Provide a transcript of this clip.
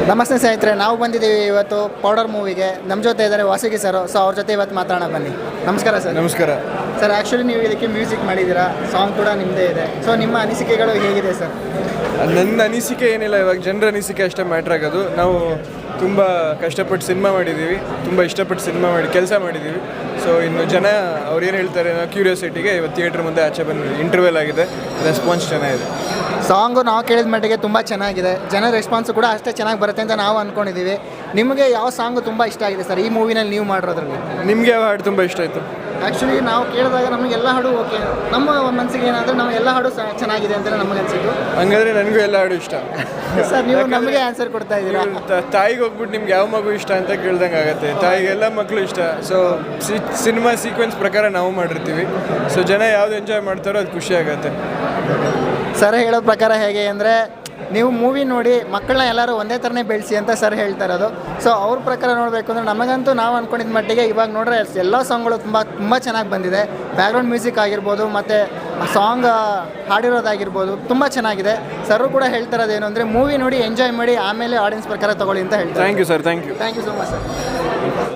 ನಮಸ್ತೆ ಸ್ನೇಹಿತರೆ, ನಾವು ಬಂದಿದ್ದೀವಿ ಇವತ್ತು ಪೌಡರ್ ಮೂವಿಗೆ. ನಮ್ಮ ಜೊತೆ ಇದ್ದಾರೆ ವಾಸುಗಿ ಸರ್. ಸೊ ಅವ್ರ ಜೊತೆ ಇವತ್ತು ಮಾತಾಡೋಣ ಬನ್ನಿ. ನಮಸ್ಕಾರ ಸರ್. ನಮಸ್ಕಾರ ಸರ್. ಆ್ಯಕ್ಚುಲಿ ನೀವು ಇದಕ್ಕೆ ಮ್ಯೂಸಿಕ್ ಮಾಡಿದ್ದೀರಾ, ಸಾಂಗ್ ಕೂಡ ನಿಮ್ಮದೇ ಇದೆ. ಸೊ ನಿಮ್ಮ ಅನಿಸಿಕೆಗಳು ಹೇಗಿದೆ ಸರ್? ನನ್ನ ಅನಿಸಿಕೆ ಏನಿಲ್ಲ, ಇವಾಗ ಜನರ ಅನಿಸಿಕೆ ಅಷ್ಟೇ ಮ್ಯಾಟ್ರ್ ಆಗೋದು. ನಾವು ತುಂಬ ಕಷ್ಟಪಟ್ಟು ಸಿನಿಮಾ ಮಾಡಿದ್ದೀವಿ, ತುಂಬ ಇಷ್ಟಪಟ್ಟು ಸಿನಿಮಾ ಮಾಡಿ ಕೆಲಸ ಮಾಡಿದ್ದೀವಿ. ಸೊ ಇನ್ನು ಜನ ಅವ್ರು ಏನು ಹೇಳ್ತಾರೆ ಅನ್ನೋ ಕ್ಯೂರಿಯಾಸಿಟಿಗೆ ಇವತ್ತು ಥಿಯೇಟ್ರ್ ಮುಂದೆ ಆಚೆ ಬಂದು ಇಂಟರ್ವ್ಯೂಲ್ ಆಗಿದೆ. ರೆಸ್ಪಾನ್ಸ್ ಚೆನ್ನಾಗಿದೆ. ಸಾಂಗು ನಾವು ಕೇಳಿದ ಮಟ್ಟಿಗೆ ತುಂಬ ಚೆನ್ನಾಗಿದೆ. ಜನ ರೆಸ್ಪಾನ್ಸು ಕೂಡ ಅಷ್ಟೇ ಚೆನ್ನಾಗಿ ಬರುತ್ತೆ ಅಂತ ನಾವು ಅಂದ್ಕೊಂಡಿದ್ದೀವಿ. ನಿಮಗೆ ಯಾವ ಸಾಂಗು ತುಂಬ ಇಷ್ಟ ಆಗಿದೆ ಸರ್ ಈ ಮೂವಿನಲ್ಲಿ ನೀವು ಮಾಡಿರೋದ್ರಲ್ಲಿ? ನಿಮಗೆ ಯಾವ ಹಾಡು ತುಂಬ ಇಷ್ಟ ಆಯಿತು? ಆ್ಯಕ್ಚುಲಿ ನಾವು ಕೇಳಿದಾಗ ನಮಗೆ ಎಲ್ಲ ಹಾಡು ಓಕೆ, ನಮ್ಮ ಮನಸ್ಸಿಗೆ ಏನಾದರೂ ನಮ್ಮ ಎಲ್ಲ ಹಾಡು ಚೆನ್ನಾಗಿದೆ ಅಂತ ನಮಗೆ ಅನಿಸಿದ್ದು. ಹಂಗಾದ್ರೆ ನನಗೂ ಎಲ್ಲ ಹಾಡು ಇಷ್ಟ. ಸರ್ ನೀವು ನಮಗೆ ಆನ್ಸರ್ ಕೊಡ್ತಾ ಇದ್ದೀರಾ. ತಾಯಿಗೆ ಹೋಗ್ಬಿಟ್ಟು ನಿಮ್ಗೆ ಯಾವ ಮಗು ಇಷ್ಟ ಅಂತ ಕೇಳ್ದಂಗೆ ಆಗುತ್ತೆ. ತಾಯಿಗೆ ಎಲ್ಲ ಮಕ್ಕಳು ಇಷ್ಟ. ಸೊ ಸಿನಿಮಾ ಸೀಕ್ವೆನ್ಸ್ ಪ್ರಕಾರ ನಾವು ಮಾಡಿರ್ತೀವಿ. ಸೊ ಜನ ಯಾವ್ದು ಎಂಜಾಯ್ ಮಾಡ್ತಾರೋ ಅದು ಖುಷಿ ಆಗುತ್ತೆ. ಸರ್ ಹೇಳೋ ಪ್ರಕಾರ ಹೇಗೆ ಅಂದರೆ, ನೀವು ಮೂವಿ ನೋಡಿ ಮಕ್ಕಳನ್ನ ಎಲ್ಲರೂ ಒಂದೇ ಥರನೇ ಬೆಳೆಸಿ ಅಂತ ಸರ್ ಹೇಳ್ತಾ ಇರೋದು. ಸೊ ಅವ್ರ ಪ್ರಕಾರ ನೋಡಬೇಕು ಅಂದರೆ ನಮಗಂತೂ ನಾವು ಅಂದ್ಕೊಂಡಿದ್ದ ಮಟ್ಟಿಗೆ ಇವಾಗ ನೋಡ್ರೆ ಎಲ್ಲ ಸಾಂಗ್ಗಳು ತುಂಬ ಚೆನ್ನಾಗಿ ಬಂದಿದೆ. ಬ್ಯಾಕ್ಗ್ರೌಂಡ್ ಮ್ಯೂಸಿಕ್ ಆಗಿರ್ಬೋದು ಮತ್ತು ಸಾಂಗ್ ಹಾಡಿರೋದಾಗಿರ್ಬೋದು ತುಂಬ ಚೆನ್ನಾಗಿದೆ. ಸರ್ ಕೂಡ ಹೇಳ್ತಾ ಇರೋದು ಏನು ಅಂದರೆ, ಮೂವಿ ನೋಡಿ ಎಂಜಾಯ್ ಮಾಡಿ ಆಮೇಲೆ ಆಡಿಯನ್ಸ್ ಪ್ರಕಾರ ತೊಗೊಳ್ಳಿ ಅಂತ ಹೇಳ್ತಾರೆ. Thank you sir. Thank you so much sir.